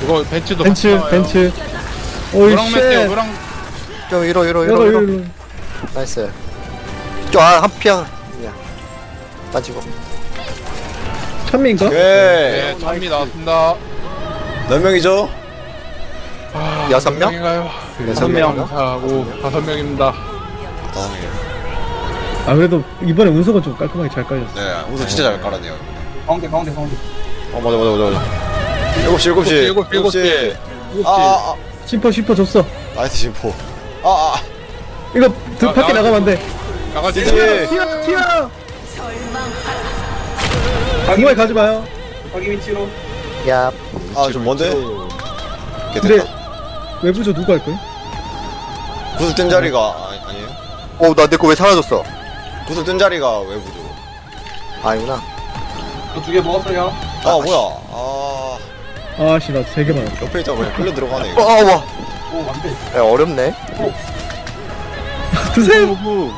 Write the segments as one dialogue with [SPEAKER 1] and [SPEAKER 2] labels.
[SPEAKER 1] 이거 벤츠도
[SPEAKER 2] 벤츠. 오이
[SPEAKER 1] 노랑 맷대요
[SPEAKER 2] 쉣.
[SPEAKER 1] 노랑.
[SPEAKER 3] 저 위로
[SPEAKER 2] 이거.
[SPEAKER 3] 나이스. 저한 피야. 야 빠지고.
[SPEAKER 2] 천민가?
[SPEAKER 1] 네
[SPEAKER 4] 오케이.
[SPEAKER 1] 찬미 나왔습니다.
[SPEAKER 4] 몇 명이죠?
[SPEAKER 1] 아,
[SPEAKER 3] 6명?
[SPEAKER 1] 명인가요?
[SPEAKER 3] 6명.
[SPEAKER 1] 하고 5명입니다.
[SPEAKER 2] 아 그래도 이번에 운석은 좀 깔끔하게 잘 깔렸어.
[SPEAKER 4] 네, 우선 진짜 잘 깔았네요.
[SPEAKER 5] 가운데.
[SPEAKER 4] 맞아. 7시.
[SPEAKER 1] 일곱 시.
[SPEAKER 2] 심퍼 줬어.
[SPEAKER 4] 나이스 심포.
[SPEAKER 2] 이거 밖에 나가면 안 돼.
[SPEAKER 1] 나가지.
[SPEAKER 2] 튀어. 정말 가지 마요.
[SPEAKER 5] 자기 위치로.
[SPEAKER 3] 야.
[SPEAKER 4] 좀 먼데? 오케이,
[SPEAKER 2] 근데
[SPEAKER 4] 됐다.
[SPEAKER 2] 외부조 누가 할 거야?
[SPEAKER 4] 구슬 뜬 자리가 아니에요?
[SPEAKER 3] 나 내 거 왜 사라졌어?
[SPEAKER 4] 구슬 뜬 자리가 외부죠.
[SPEAKER 3] 아니구나.
[SPEAKER 5] 저 2개 먹었어요.
[SPEAKER 4] 뭐야.
[SPEAKER 2] 아씨 나 3개 맞았다.
[SPEAKER 4] 옆에 있다가 그냥 끌려 들어가네. 이거.
[SPEAKER 3] 와.
[SPEAKER 5] 오, 안 돼.
[SPEAKER 3] 야, 어렵네.
[SPEAKER 2] 드세요.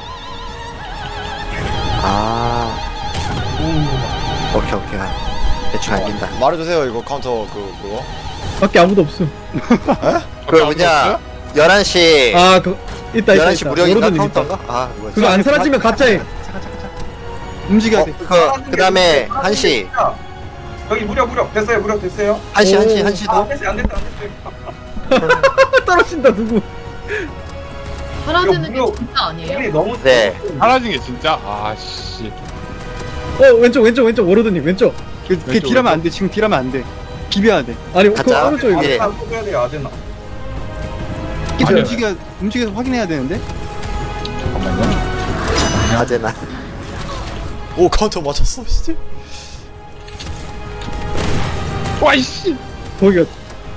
[SPEAKER 3] 아. 오케이. 대충 알긴다.
[SPEAKER 4] 말해주세요. 이거 카운터 그거.
[SPEAKER 2] 밖에 아무도 없음.
[SPEAKER 3] 그 뭐냐? 11시.
[SPEAKER 2] 아 그 있다.
[SPEAKER 3] 11시 무력인가
[SPEAKER 2] 워로드님 있다.
[SPEAKER 3] 카운터인가? 아, 뭐야.
[SPEAKER 2] 그거 안 사라지면 가짜임.
[SPEAKER 6] 움직여야 돼.
[SPEAKER 3] 그다음에 1시.
[SPEAKER 5] 여기 무력. 됐어요.
[SPEAKER 3] 1시도.
[SPEAKER 5] 됐어요. 안 됐다.
[SPEAKER 2] 떨어진다 누구?
[SPEAKER 7] 사라지는 게
[SPEAKER 5] 무력.
[SPEAKER 7] 진짜 아니에요?
[SPEAKER 5] 우리 너무.
[SPEAKER 3] 네.
[SPEAKER 1] 사라진 게 진짜 아씨.
[SPEAKER 2] 왼쪽 워로드님 왼쪽.
[SPEAKER 6] 걔 딜하면 안 돼. 지금 딜하면 안 돼. 비벼야 돼.
[SPEAKER 2] 아니 그
[SPEAKER 3] 가짜.
[SPEAKER 2] 오른쪽 이거.
[SPEAKER 3] 예.
[SPEAKER 5] 해야 돼요, 아제나.
[SPEAKER 6] 계속
[SPEAKER 2] 아니요.
[SPEAKER 6] 움직여서 확인해야 되는데.
[SPEAKER 3] 아제나.
[SPEAKER 4] 오 카운터 맞췄어. 진짜.
[SPEAKER 1] 와이씨.
[SPEAKER 2] 거기가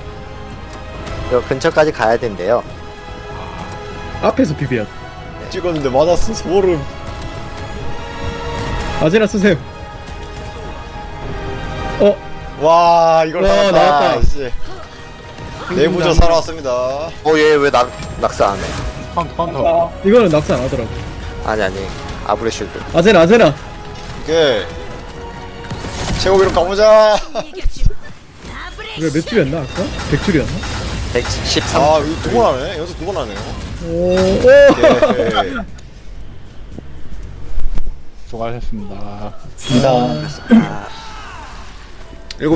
[SPEAKER 3] 요 근처까지 가야 된대요.
[SPEAKER 2] 앞에서 비벼야 돼.
[SPEAKER 4] 찍었는데 맞았어. 소름.
[SPEAKER 2] 아제나 쓰세요.
[SPEAKER 4] 와 이걸
[SPEAKER 2] 와,
[SPEAKER 4] 살았다.
[SPEAKER 2] 나왔다.
[SPEAKER 4] 씨. 내부조 살아왔습니다.
[SPEAKER 3] 얘 왜 낙사 안 해?
[SPEAKER 1] 카운터.
[SPEAKER 2] 이거는 낙사 안 하더라고.
[SPEAKER 3] 아니. 아브레슈드.
[SPEAKER 2] 아제나
[SPEAKER 4] 오케이. 최고 기록 가보자.
[SPEAKER 2] 이거 몇 줄이었나 아까? 100줄이었나?
[SPEAKER 3] 113.
[SPEAKER 4] 이거 2번 하네. 연속 2번 하네요.
[SPEAKER 2] 오.
[SPEAKER 4] 오케이.
[SPEAKER 1] 수고하셨습니다.
[SPEAKER 3] 아,